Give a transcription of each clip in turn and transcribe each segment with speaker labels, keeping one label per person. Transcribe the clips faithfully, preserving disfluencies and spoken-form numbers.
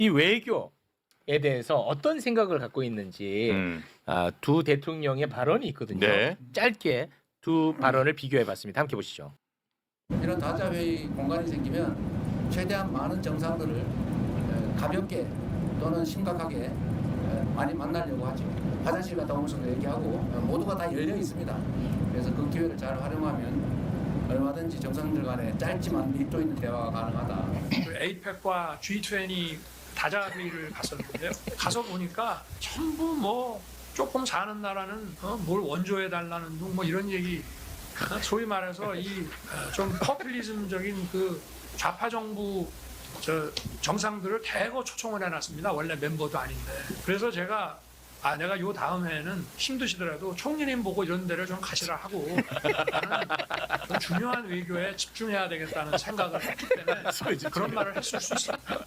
Speaker 1: 이 외교에 대해서 어떤 생각을 갖고 있는지
Speaker 2: 음.
Speaker 1: 아, 두 대통령의 발언이 있거든요.
Speaker 2: 네.
Speaker 1: 짧게 두 발언을 비교해봤습니다. 함께 보시죠.
Speaker 3: 이런 다자회의 공간이 생기면 최대한 많은 정상들을 에, 가볍게 또는 심각하게 에, 많이 만나려고 하죠. 화장실 갔다 오면서도 얘기하고 어, 모두가 다 열려 있습니다. 그래서 그 기회를 잘 활용하면 얼마든지 정상들 간에 짧지만 밀도 있는 대화가 가능하다.
Speaker 4: 에이펙과 지 이십 다자회의를 갔었는데요. 가서 보니까 전부 뭐 조금 사는 나라는 어, 뭘 원조해 달라는 둥 뭐 이런 얘기, 어, 소위 말해서 이 좀 퍼퓰리즘적인 그 좌파 정부 저 정상들을 대거 초청을 해놨습니다. 원래 멤버도 아닌데. 그래서 제가 아 내가 요 다음 해에는 힘드시더라도 총리님 보고 이런 데를 좀 가시라 하고 나는 좀 중요한 외교에 집중해야 되겠다는 생각을 했기 때문에 그런 말을 했을 수 있습니다.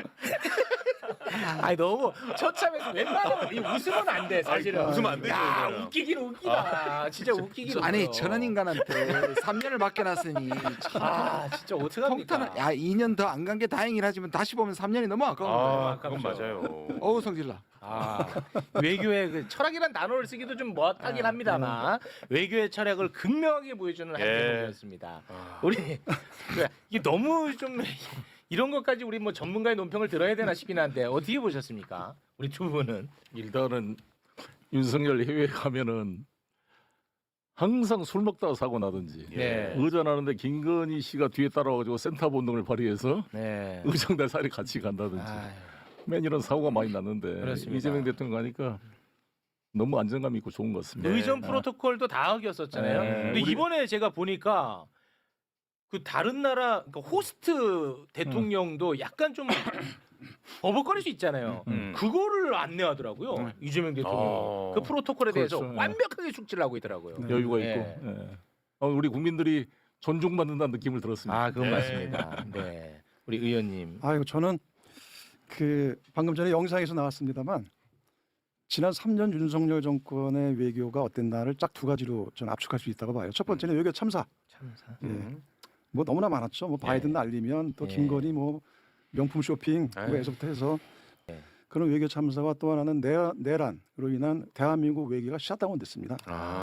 Speaker 1: 아니 너무 처참해서 웬만하면 이 웃으면 안 돼 사실은.
Speaker 2: 아니, 웃으면 안 되죠,
Speaker 1: 야,
Speaker 2: 이거는.
Speaker 1: 웃기긴 웃기다. 진짜 웃기긴 웃겨.
Speaker 5: 아니 저런 인간한테 삼 년을 맡겨놨으니
Speaker 1: 아 진짜 어떡합니까?
Speaker 5: 통탄은 야 이 년 더 안 간 게 다행이라 하지만 다시 보면 삼 년이 너무 아까운 거예요.
Speaker 2: 아, 그건 맞아요.
Speaker 5: 어우 성질나.
Speaker 1: 아, 외교의 그 철학이란 단어를 쓰기도 좀 뭐하긴 합니다만 외교의 철학을 극명하게 보여주는 한
Speaker 2: 예.
Speaker 1: 대목이었습니다. 우리 이게 너무 좀 이런 것까지 우리 뭐 전문가의 논평을 들어야 되나 싶긴 한데 어떻게 보셨습니까? 우리 두 분은.
Speaker 6: 일단은 윤석열 해외에 가면은 항상 술 먹다가 사고 나든지
Speaker 1: 네.
Speaker 6: 의전하는데 김건희 씨가 뒤에 따라와가지고 센터 본능을 발휘해서
Speaker 1: 네.
Speaker 6: 의정달 살이 같이 간다든지
Speaker 1: 아유,
Speaker 6: 맨 이런 사고가 많이 났는데
Speaker 1: 그렇습니다.
Speaker 6: 이재명 대통령 가니까 너무 안정감 있고 좋은 것 같습니다.
Speaker 1: 의전 프로토콜도 다 어겼었잖아요.
Speaker 6: 네.
Speaker 1: 근데
Speaker 6: 우리-
Speaker 1: 이번에 제가 보니까 그 다른 나라 그러니까 호스트 대통령도 약간 좀 버벅거릴 수 있잖아요.
Speaker 2: 음.
Speaker 1: 그거를 안내하더라고요. 이재명 대통령.
Speaker 2: 어.
Speaker 1: 그 프로토콜에 대해서
Speaker 6: 그렇죠.
Speaker 1: 완벽하게 숙지를 하고 있더라고요.
Speaker 6: 여유가
Speaker 1: 네.
Speaker 6: 있고 예. 어, 우리 국민들이 존중받는다는 느낌을 들었습니다.
Speaker 1: 아, 그건
Speaker 2: 네.
Speaker 1: 맞습니다. 네. 우리 의원님.
Speaker 7: 아이고 저는 그 방금 전에 영상에서 나왔습니다만 지난 삼 년 윤석열 정권의 외교가 어땠나를 딱 두 가지로 저는 압축할 수 있다고 봐요. 첫 번째는 외교 참사.
Speaker 1: 참사.
Speaker 7: 예. 뭐 너무나 많았죠. 뭐 바이든
Speaker 1: 네.
Speaker 7: 날리면 또
Speaker 1: 네.
Speaker 7: 김건희 뭐 명품 쇼핑
Speaker 2: 네.
Speaker 7: 뭐에서부터 해서
Speaker 1: 네.
Speaker 7: 그런 외교 참사와 또 하나는 내, 내란으로 인한 대한민국 외교가 샷다운 됐습니다.
Speaker 2: 아.